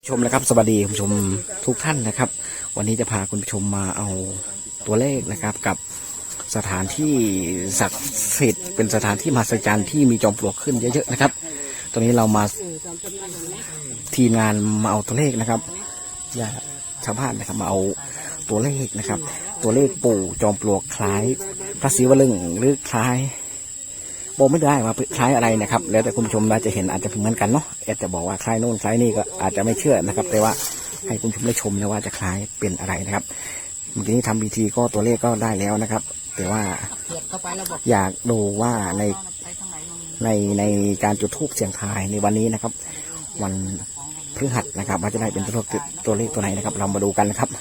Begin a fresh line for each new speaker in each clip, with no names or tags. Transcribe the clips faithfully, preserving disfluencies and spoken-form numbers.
ชมนะครับสวัสดีคุณผู้ชมทุกท่านนะครับวันนี้จะพาคุณผู้ชมมาเอาตัวเลขนะครับกับสถานที่ศักดิ์สิทธิ์เป็นสถานที่มหัศจรรย์ที่มีจอมปลวกขึ้นเยอะๆนะครับตอนนี้เรามาทีมงานมาเอาตัวเลขนะครับญาติชาวบ้านนะครับมาเอาตัวเลขนะครับตัวเลขปู่จอมปลวกคล้ายพระศิวลึงหรือคล้ายบอกไม่ได้ว่าคล้ายอะไรนะครับแล้วแต่คุณผู้ชมน่าจะเห็นอาจจะเหมือนกันเนาะอาจจะบอกว่าคล้ายโน่นคล้ายนี่ก็อาจจะไม่เชื่อนะครับแต่ว่าให้คุณผู้ชมได้ชมแล้วว่าจะคล้ายเป็นอะไรนะครับเมื่อกี้นี้ทำพิธีก็ตัวเลขก็ได้แล้วนะครับแต่ว่าอยากดูว่าในในในการจุดธูปเสียงทายในวันนี้นะครับวันพฤหัสนะครับว่าจะได้เป็นตัวเลขตัวเลขตัวไหนนะครับเรามาดูกันนะครับ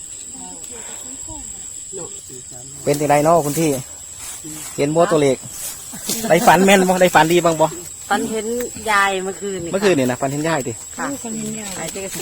เป็นอะไรเนาะคุณที่เห็นบัวตัวเลขได้ฝันแม่นบ่ได้ฝันดีบ้างบ่
ฝันเห็นยายเมื่อคืน
เมื่อคืนเนี่ยนะฝันเห็นยายดิ
ค่ะฝันเห็นยาย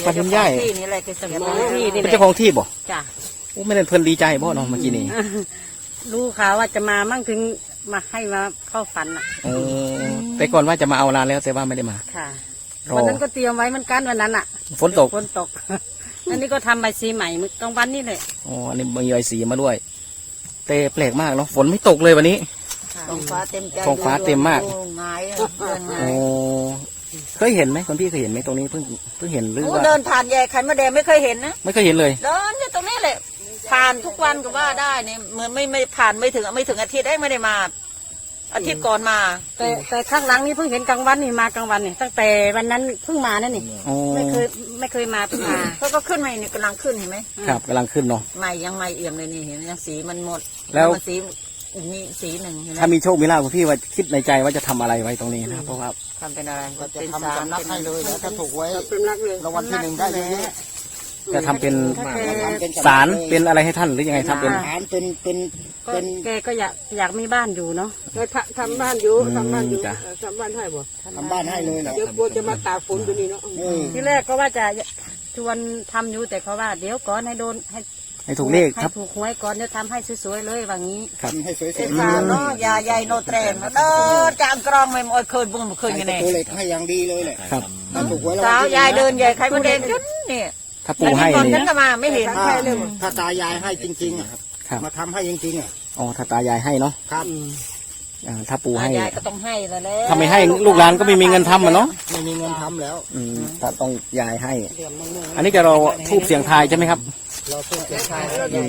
ฝันเห็นยาย
ที่นี่แหละคือเจ้าของที่นี่
เป็นเจ้าของที่บ่
จ้ะ
โอ้ไม่ได้เพิ่นดีใจบ่เนาะเมื่อกี้นี้
รู้ข่าวว่าจะมามั่งถึงมาให้มาเข้าฝันอ่ะ
โอ้แต่ก่อนว่าจะมาเอาลาแล้วแต่ว่าไม่ได้มา
ค่ะวันนั้นก็เตรียมไว้เหมือนกันวันนั้นอ่ะ
ฝนตก
ฝนตกอันนี้ก็ทำใบสีใหม่เมื่อกลางวันนี่เลย
อ๋ออันนี้มีใบสีมาด้วยแต่แปลกมากเนาะฝนไม่ตกเลยวันนี้
ท้องฟ้าเต็มใจ
ท้องฟ้าเต็มมาก
งาย
โอ้เคยเห็นไหมคนพี่เคยเห็นไหมตรงนี้เพิ่งเพิ่งเห็นหรือว่า
เดินผ่านแย่ไข่มะแดงไม่เคยเห็นนะ
ไม่เคยเห็นเลย
เดินเนี่ยตรงนี้แหละผ่านทุกวันก็ว่าได้เนี่ยเหมือนไม่ไม่ผ่านไม่ถึงไม่ถึงอาทิตย์ได้ไม่ได้มาอาทิตย์ก่อนมาแต่แต่ข้างหลังนี่เพิ่งเห็นกลางวันนี่มากลางวันนี่ตั้งแต่วันนั้นเพิ่งมานั่นนี่ไม่เคยไม่เคยมาเพิ่งมาเขาก็ขึ้นมาเนี่ยกำลังขึ้นเห็นไหม
ครับกำลังขึ้นเนาะ
ใหม่ยังใหม่เอี่ยมเลยนี่เห็นยังสีมันหมด
แล้ว
สีมีสีหนึ่ง
ถ้ามีโชคมีลาภคุณพี่ว่าคิดในใจว่าจะทำอะไรไว้ตรงนี้นะเพราะว่า
ทำเป็นอะไร
จะทำสำนักให้เลยแล้วถ้าถูกไว้รางวัลที่หนึ่งได้เลย
จะทำเป็นศาลเป็นอะไรให้ท่านหรือยังไงทำเป็น
ศาลเป็นเป็น
เป็นแกก็อยากอยากมีบ้านอยู่เนาะ
ทำบ้านอยู่ทำบ้านอยู่ทำบ้านให้บ่
ทำบ้านให้เลยนะ
เดี๋ยวกลัวจะมาตากฝนอยู่นี่เนาะ
ที่แรกก็ว่าจะชวนทำอยู่แต่เขาว่าเดี๋ยวก่อนให้โดนให้
ให้ถูกเลขครับ
ถูกหวยก่อนจะทำให้สวยๆเลยว่างี้
ครับ
ให้สวยๆ
เป็นสามเนาะยาใหญ่โนเตรนเออจางกรองไม่มอยเคยบุ้งเคยยังไง
ตัวเล็กให้อย่างดีเลยแหละ
ครับ
ถูกไว้แล้ว
สาวยายเดินใหญ่ใครมาเดินจนเนี่ย
ถ้าปู่ให้
นี่ฉันก็มาไม่เห็น
ถ้าตายายให้จริงๆอ่ะมาทำให้จริงๆอ่ะ
อ๋อถ้าตายายให้เนาะ
ครับ
ถ้าปู่ให้
ยายก็ต้องให้แล้วแหละ
ถ้าไม่ให้ลูกหลานก็ไม่มีเงินทำอ่ะเนาะ
ไม่มีเงินทำแล้ว
อืมถ้าต้องยายให้อันนี้จะรอทูบเสียงทายใช่ไหมครับ
เราทูบเสียงทาย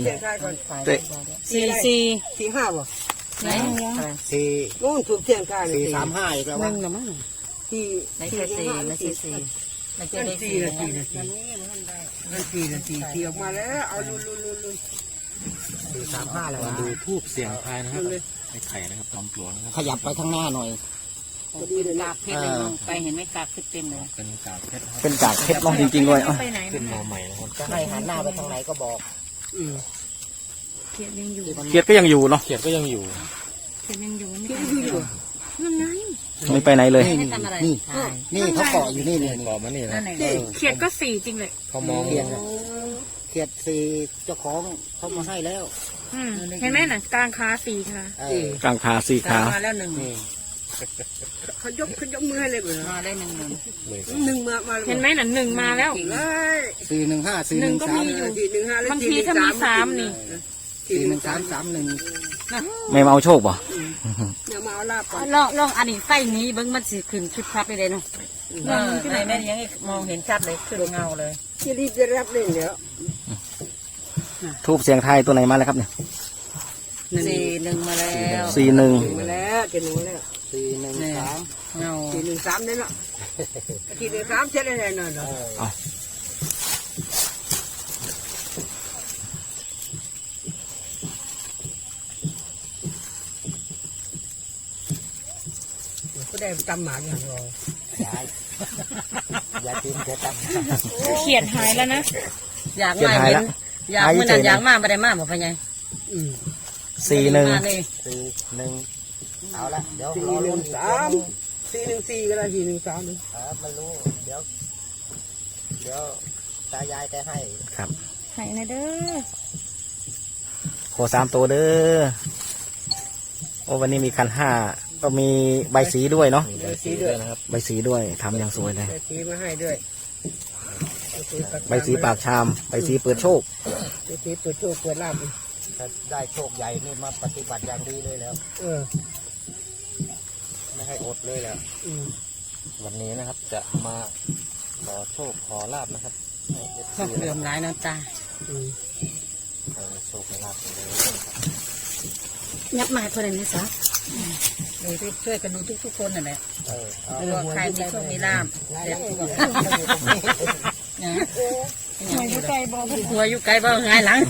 สี่สี่
สี่ห้าบ่
ไหน
สี่
นู่นทูบเสียงทาย
สี่สามห้าอีกแล้ว
หนึ่งหรือมั้ง
สี่
ไม่ใช่สี่ไม่ใช่สี่ไม่ใช่
สี่นาทีนาทีนาทีนาทีสี่ออกมาแล้วเอาลุลุลุลุ
สี่สามห้าแล้ว
ดูทูบเสียงทายนะครับไอ้ไข่นะครับจอมปลวกนะครับ
ขยับไปข้างหน้าหน่อย
เป็นกากเพชรเลยไปเห็นไหมกากขึ้นเต็มเลย
เป็นกากเพชรเป็นกากเพชรน้องจริงๆเลย
ขึ้นมาใหม่จะให้หันหน้าไปทางไหนก็บอก
เขียดยังอยู่
เขียดก็ยังอยู่เนาะ
เขียดก็ยังอยู่
เขียดยังอยู่เขียดยังอยู่ยังไง
ไม่ไปไหนเลย
นี่นี่เขาเกาะอยู่นี่นี่
เกาะมานี่นะ
เขียดก็สี่จริงเลย
เขามองเขียดเขียดสี่เจ้าของเขามาให้แล้ว
เห็นไหมน่ะกลางขาสี่ค่ะ
กลางขาสี่ขา
มาแล้วหนึ่ง
เขายกเขายกมือให้เลย
มาได้หนึ่งหนึ่ง
หนึ่งมามา
เห็นไหมน่ะหนึ่งมาแล้ว
สี่หนึ่งห้าสี่หนึ่งสาม
สี่หนึ่งห้า
บางทีถ้ามีสามนี่
สี่หนึ่งสามสามหนึ่ง
ไม่มาเอาโชคป่ะ
เดี๋ยวมาเอาลาบ
ลองลองอันนี้ไฟนี้เบิ้งมันสิขึ้นชุดพับไปเลยเนาะในแม่ยังมองเห็นชัดเลยขึ้นเงาเลย
ที่รีบจะรับเล่นเดี๋ยว
ทูบเสียงไทยตัวไหนมาแล้วครับเนี่ย
สี่หนึ่งมาแล้ว
สี่หนึ่ง
มาแล้วเจ็ดหนึ่งมาแล้ว
สี่หนึ่งสาม
เงา
สี่หนึ่งสามเนี่ยเนาะสี่หนึ่งสามเช็ดอะไรหน่อยเนาะก็ได้จำหมาอย่างเรา
ยายยายตีนเขียด
เขียดหายแล้วนะอยากมาเห็นอยากเมื่อนั้นอยากมาไม่ได้มาบอกพะไง
สี่หนึ่ง
สี่หนึ่งเอาละเดี๋ยว
สี่หนึ่งสามสี่หนึ่งสี่ก็ได้สี่หนึ่งสามเลย
อ่ามันรู้เดี๋ยวเดี๋ยวตายายแกให้
ครับ
ให้นะเด้อ
โคสามตัวเด้อโอ้วันนี้มีคันห้าก็มีใบสีด้วยเนาะ
ใบสีด้วย
นะครับใบสีด้วยทำอย่างสวยเลย
ใบสีมาให้ด้วย
ใบสีปากชามใบสีเปิดโชค
ไปสีเปิดโชคเปิดลาบ
ถ้าได้โชคใหญ่นี่มาปฏิบัติอย่างดีเลยแล้ว
เออ
ไม่ให้อดเลยแล้ว
อืม
วันนี้นะครับจะมาขอโชคขอลาบนะครับ
เหลื่อมหลายน้ำตา
อืม
โชคลาบเลย
ยับมาเพื่อนนี่ซะเลยช่วยกันดูทุกๆคนนั่นแหละ
เออเอา
เออใครมีโชคมีลาบ
ไล่
เดี๋ยว
ให้
หั
ดู
วอยู่ไกลบ่หัวอยู่ไกลบ่หงายหลัง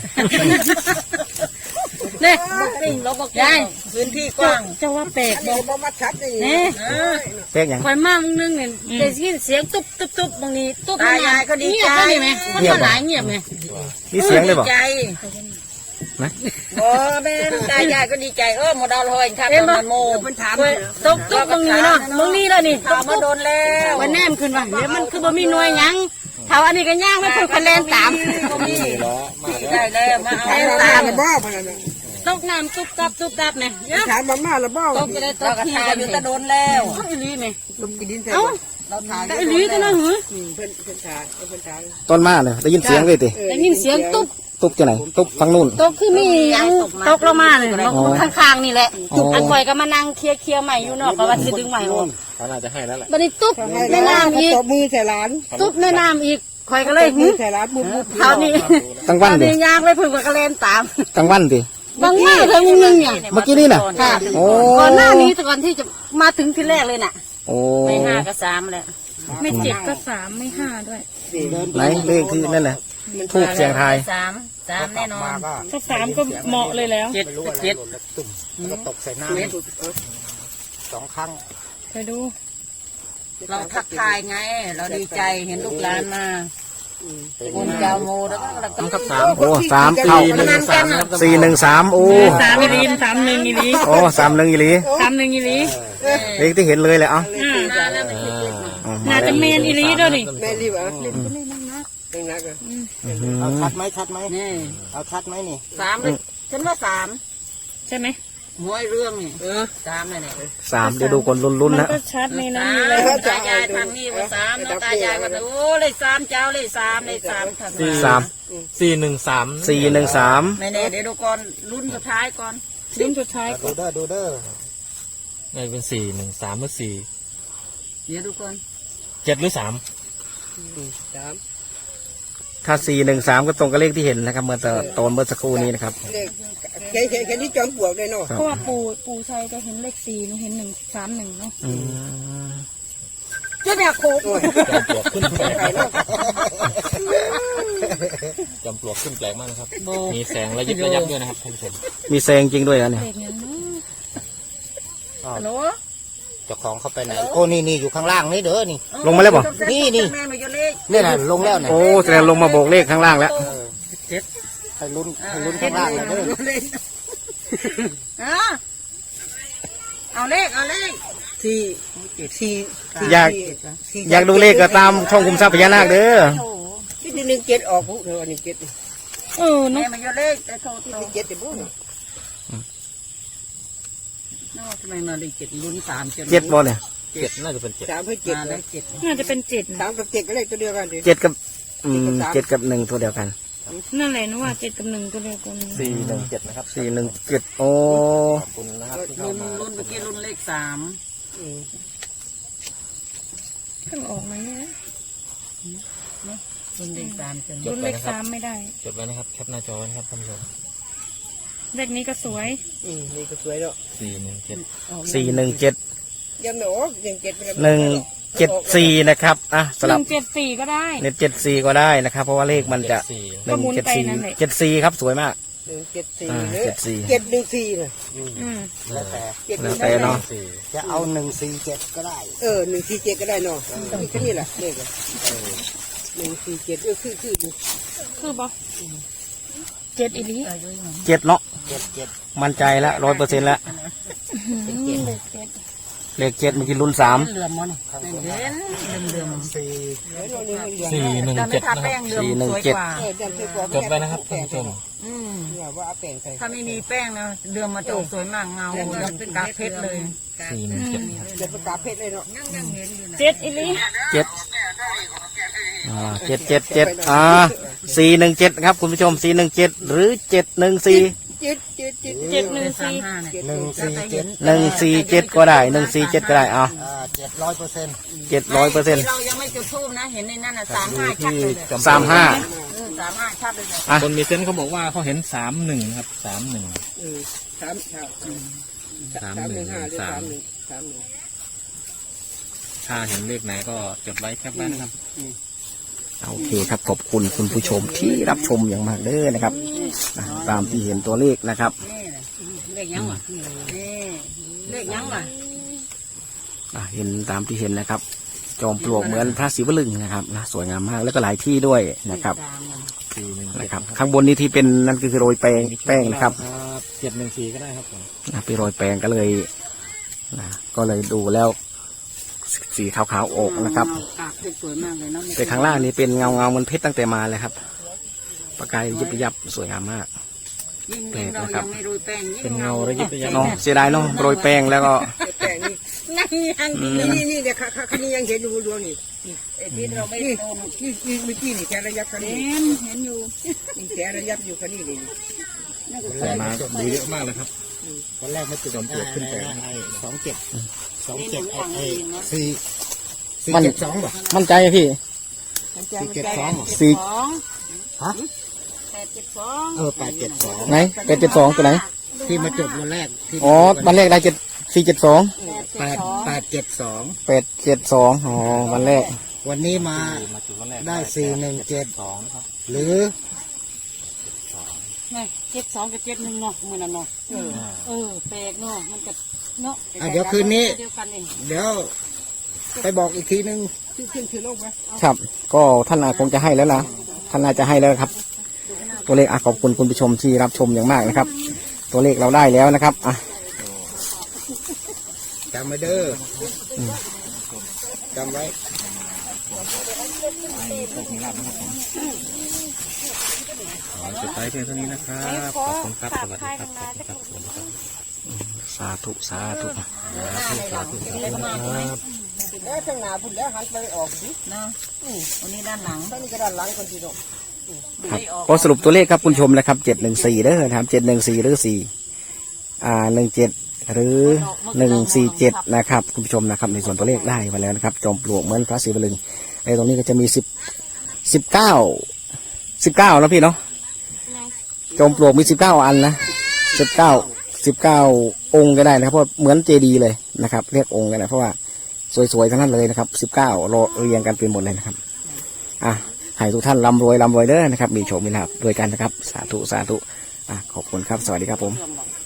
เนี่ยปิ่งเราบอกยายพื้นที่กว้างเจ้าว่าแปลก
อัน
บ่
นี้บ่มาชัดนี่
เนี่ย
เป๊กยัง
คอยมามึงนึงเนี่ยได้ยินเสียงตุ๊บตุ๊บตุ๊บบางนี้ตุ๊บตายายก็ดีใจไหมมันก็หลายเงียบไหม
มีเสียงเลยบอก
ใจ
นะ
โอ้แม่ตายายก็ดีใจเออหมดดาวลอยครับตอนมันโม
มันถาม
ตุ๊บตุ๊บบางนี้เนาะบางนี้แล้วนี่ถามมาโดนแล้ววันแนมขึ้นว่าเดี๋ยวมันคือบ่มีหน่วยยังถ้าอันนี้ก็ย่างไม่พูดคะแนนตามบ่มีได้แล้วมาเอา
ถามมา
ตา
ม่าม ละบ่พนันน่ะ
ตกน้ำตุ๊บตับตุ๊บตับเนี่ย
ถามมาม่าละบ่
ตกจะได้ตกที่กันอยู่ตะโดนแล้วอีหลีไหม
ลมกินดินใส่
เอ้า
เราถ่าย
แต่อีหลีตัวนั้นหือ
อืมเพิ่นเพิ่นถ่ายเพิ่นถ่าย
ต้นมาเนี่ยได้ยินเสียงเลยติ
ได้ยินเสียงตุ๊บ
ตุ๊บจะไหนตุ๊บฝั่งนู่น
ตกคือมียังตกลงมาเลยข้างๆนี่แหละ
อ๋ออั
อันคอยก็มานั่งเคลียร์เคลียร์ใหม่อยู่เนอกก็ว่าสิดึงใหม่ออก
เขาน่าจะให้แล้วแหละ
บัดนี้ตุ๊บในน้ำอีก
ตบมือใส่หลาน
ตุ๊บในน้ำอีกคอยก็เลย
ตบมื
หึ
อใส่หลานบุบบุบ
เท่านี้
กลางวัน
เท่า
ดิ
นี้ยางไปพึ่งกับกระเลนตาม
กลางวันดิ
บางมาเธอมึงนึงเนี่ย
เมื่อกี้นี่น่ะ
ค่ะ
โอ้
ก่อนหน้านี้แต่ก่อนที่จะมาถึงที่แรกเลยน่ะ
โอ้
ไม่ห้าก็สามแหละ
ไม่เจ็ดก็สามไม่ห้าด้วย
ไหนเลขที่นั่นแหละทูบเสียงทาย
สามสามแน่นอน
มาก็
ถ้าสามก็เหมาะเลยแล้ว
เจ็ด
ไม่รู้ว่า
เจ็ด
หล่นแล้วตุ่มแล้วก็ตกใส่หน้าสองครั้ง
ไปดู
เราทักทายไง เราดีใจเห็นลูกหลานมาคุณเจ้าโมแล้วก็เราก็สาม
โอ้สามเข้า
สี่หนึ่งสาม
สี่หนึ่งสามโอ้
สามอีหลีสามหนึ่งอีหลี
โอ้สามหนึ่งอีหลี
สามหนึ่งอีหลี
เลขที่เห็นเลยเลยเอ้า
อ่า
มาแล้วไม่ติดติด
อ๋อ
น่าจะเมนอีหลีด้วยนี่
แม่รีบอ่ะเล่นก็เล่นนักนักเล่นนักอ่ะ
เอาชัดไหมชัดไหม
นี่
เอาชัดไหมนี่
สามเลยฉันว่าสาม
ใช่ไหม
หวยเรื่องนี่สามเลยเนี่ย
สามเดี๋ยวดูคนลุ้น
มัน
ๆนะ
ก็ชัดในนั้น
สา
อยู่
ม
แล้ว
ตายายทางนี้ว่าสามน้องตายายว่าโอ้เลยสามเจ้าเลยสามเลยสามทาง
สาม
สี่หนึ่งสาม
สี่หนึ่งสาม
ไม่แน่เดี๋ยวดูก่อนรุ่นสุดท้ายก่อน
รุ่นสุดท้าย
ดูเด้อดูเด้อ
นี่เป็นสี่หนึ่งสามหรือสี่
เดี๋ยวดูก่อน
เจ็ดหรือสาม
สาม
ถ้าสี่หนึ่งสามก็ตรงกับเลขที่เห็นนะครับเมื่อตอนเมื่อสักครู่นี้นะครับ
เลขแค่แค่แค่ที่จอมปลวกเลยเนาะ
เพราะว่าปู่ปู่ชัยจะเห็นเลขสี่หนูเห็นหนึ่งสามหนึ่งเนาะ
อืม
เจ้าแม่โคก
โอ้ย
จอมปลวกขึ้นแปลกจอมปลวกขึ้นแปลกมากนะครับ มีแสงระยิบระยับด้วยนะครับท่านผู้ชม
มีแซงจริงด้วยนะเนี่ย
เลขยังเนาะ
ฮัลโหล
เจ้าของเขาไปไหนโอ้นี่นี่อยู่ข้างล่างนี่เด้อนี่
ลงมาแล้วบ่
นี่นี่
แม่มาเยอะเลข
นี่น่ะลงแล้วเนี่ย
โอ้แสดงลงมาโบกเลขข้างล่างแล้ว
เออให้ลุ้นให้ลุ้นข้างล่างเลยเด้อ
อ่ะเอาเลขเอาเลข
สี่สี่
อยาก อยากดูเลขก็ตามช่องคุมทรัพย์พญานาคเด้อ
โอ้
ที่หนึ่งเจ็ดออกผู้เธออันนี้เจ็ด
เออ
แม่
เนาะ
มาเยอะเลขแต่โทรโทร
เจ็ดแต่ผู้
นอกทำไมมาได้เจ็ดรุ่นสามจน
เจ็ดบอลเนี่ย
เจ็ดน่าจะเป็นเจ็ด
สามเพื่อเจ็ด
มา
เล
ได้
ย
เจ็ด
น่าจะเป็นเจ็ด
สา
นะ
มกับเจ็ดก็เลขตัวเดียวกันดิ
เจ็ดกับอืมเจ็ดกับหนึ่งตัวเดียวกัน
นั่นแหละหนูว่าเจ็ดกับหนึ่งตัวเดียวกัน
สี่หนึ่งเจ็ดนะครับ
สี่หนึ่งเจ็ดโอ้
ขอบคุณนะครับที่
รุ่
เข้าน มา
รุ่นเมื่อกี้รุ่นเลขสาม
อืม
เพิ่งออกมาเนี่ย
รุ่นเลขสามจน
รุ่นเลขสามไม่ได้
จดไว้นะครับแคปหน้าจอไว้นะครับท่านผู้ชม
เลขนี้ก็สวย
อืมนี่ก็สวยแล้ว
สี่หนึ่งเจ็ด
สี่หนึ่งเจ็ด
ยังไม่ออกยังเจ็ดไม่ได้
หนึ่งเจ็ดสี่นะครับอ่ะส
ห
ลับ
นึ่งเจ็ดสี่ก็ได้
เน็ตเจ็ดสี่ก็ได้นะครับ เพราะว่าเลขมันจะ
สี่
หนึ่ง
ก็หมุน
เจ็ด
ไป
สี่
นั่นแหละ
เจ็ดสี่ครับสวยมาก
หนึ่งเจ็ดสี่
อ่า
หรือ
เจ็ดสี่
เจ็ดหนึ่งสี่เลย
อืม
แล้วแต่
เจ็ดห
แล้
นึ่
ว
ง
แต่เนาะ
สี่
จะเอาหนึ่งสี่เจ็ดก็ได้
เออหนึ่งสี่เจ็ดก็ได้เนาะแค่นี้แหละเลขอะหนึ่งสี่เจ็ดเออคือคือ
คือบอกเจ็ดอีหลี
เจ็ดเนาะ
เจ็ดเจ็ด
มั่นใจแล้วร้อยเปอร์เซ็นต์แล้ว
เลขเจ็ด
เลขเจ็ดเมื่อกี้รุ่นสาม
เหลื่อมมันเด่นเหลื่อมเหลื่อม
สี่
สี่หนึ่ง
แต่ไม่
เจ็ด
ทา
นะค
แป้
รับ
งเดิมสวยกว่า
เออจำเป็นว่า
จดไว้นะครับท่านผู้ชม
อืม
เนี่ยว่าเอาแป้งใส่
ถ้าไม่มีแป้งนะเดือมมาจะออกสวยมากเงาแล้วเป็นกาเพชรเลย
สี่หนึ่งเจ็ด
เดี๋ยวประกาศเพชรเลยเนาะ
เจ็ดอีหลี
เจ็ดอ่าเจ็ดเจ็ดเจ็ดอ่าสี่หนึ่งเจ็ดครับคุณผู้ชมสี่หนึ่งเจ็ดหรือเจ็ดหนึ่งสี่
จิตจิตจิต
เจ็ดหนึ่งสี่
หนึ่งสี่เจ็ด
หนึ่งสี่เจ็ดก็ได้หนึ่งสี่เจ็ดก็ได้อ่า
อ่าเจ็ดร้อยเปอร์เซ็นต์
เจ็ดร้อยเปอร์เซ็นต์
เรายังไม่จุดทูบนะเห็นในนั้นอ่ะสามห้าชัดเลยเลย
สามห้า
อืมสามห้าชัดเลยเลย
อ่ะ
คนมีเซนส์เขาบอกว่าเขาเห็นสามหนึ่งครับสามหนึ่ง
เออสามสาม
สามหนึ่ง
ห้าหรือ
สา
สาม มหนึ่งสามหนึ่ง
ถ้าเห็นเลขไหนก็จดไว้แคปไว้นะครับ
โอเคครับขอบคุณคุณผู้ชมที่รับชมอย่างมากเด้อนะครับอ่ะตามที่เห็นตัวเลขนะครับ
นี่แหละเลขยังวะนี่เลขยังวะ
อ่ะเห็นตามที่เห็นนะครับ จอมปลวกเหมือนพระศิวลึงนะครับนะสวยงามมากแล้วก็หลายที่ด้วยนะครับ
สี่หนึ่งเจ็ด
นะครับ ข้างบนนี้ที่เป็นนั่นก็คือโรยแป้งแป้งนะครับ
เจ็ดหนึ่งสี่ก็ได้ครับผม
นะไปโรยแป้งก็เลยนะก็เลยดูแล้วสีขาวๆออกนะครับ
กากเพชรสวยมากเลยเนาะ
แต่ข้างล่างนี้เป็นเงาเงาๆเหมันเพชรตั้งแต่มาเลยครับประกายยิบยับสวยงามมาก
ยิ่งยิ่งเรายังไม่โรยแป้งยิ่ง
เป็นเงาระยิบระยับ
เนาะเสียดายเนาะโรยแป้งแล้วก็
แป้งนี่
นั่นยัง
อืม
นี่นี่เดี๋ยวคันนี้ยังเห็นอยู่ดวงนี่
ไอ้ที่เราไม่
นี่
โดน
นี่นี่เมื่อกี้นี่แกระยับคันนี้
เห็นเห็นอยู่
นี่แกระยับอยู่คันนี้นี่
ใส่มาดูเยอะมากเลยครับ
ตอนแรกไม่ติด
จอมปลวกขึ้นแปลง
ไอ้สองเจ็ดสองเจ็ดไอ้ไอ้สี่สี่
มัน
เจ็ดสองป่ะ
มั่นใจไหมพี่
สี่เจ็ดสองเหรอ
สี่
สอง
ฮะ
แปดเจ็ดสอง
เออแปดเจ็ดสอง
ไหนแปดเจ็ดสองตัวไหน
ที่มาจุดวันแรกที่
อ๋อวันแรกได้เจ็ดสี่เจ็ดสอง
แปดแปดเจ็ดสอง
แปดเจ็ดสองอ๋อวันแรก
วันนี้มา
มาจุดวันแรก
ได้สี่หนึ่งเจ็ด
สองนะครับ
หรือ
นี่เจ็ดสองกับเจ็ดหนึ่งเนาะมือนั่นเนาะเออเออแปลกเนาะมันก็เนาะ
อ่ะเดี๋ยวคืนนี้
เดียวกันเอง
เดี๋ยวไปบอกอีกทีนึง
ขึ้นขึ้นถือลงไหม
ครับ ก็ท่านอาจคงจะให้แล้วนะท่านอาจจะให้แล้วครับ ตัวเลขอ่ะขอบคุณคุณผู้ชมที่รับชมอย่างมากนะครับ ตัวเลขเราได้แล้วนะครับอ่ะ
จำไว้เด้ออจำไว้
ขอจดไว้เพียงเท่านี้นะครับขอบคุณครับสวัสดีครับขอบคุณครับสวัสดีครับ
สาธุสาธุ
เอ๊ะข้างหน้าพุ่นแล้วหันไปออกสิ
เนาะวันนี้ด้านหลัง
ข้างนี้ก็ด้านหลังคนที่ตรง
ครับก็สรุปตัวเลขครับคุณผู้ชมนะครับเจ็ดหนึ่งสี่เด้อนะครับเจ็ดหนึ่งสี่หรือสี่อ่าหนึ่งเจ็ดหรือหนึ่งสี่เจ็ดนะครับคุณผู้ชมนะครับในส่วนตัวเลขได้มาแล้วนะครับจอมปลวกเหมือนพระศิวลึงในตรงนี้ก็จะมีสิบสิบเก้าสิบเก้าแล้วพี่เนาะจอมปลวกมีสิบเก้าอันนะสิบเก้าสิบเก้าองค์ก็ได้นะครับเพราะเหมือนเจดีย์เลยนะครับเรียกองค์กันนะเพราะว่าสวยๆทั้งนั้นเลยนะครับสิบเก้ารอเรียงกันเป็นหมดเลยนะครับอ่ะให้ทุกท่านร่ำรวยร่ำรวยเด้อนะครับมีโชคมีลาภด้วยกันนะครับสาธุสาธุอ่ะขอบคุณครับสวัสดีครับผม
เชื่อมบอก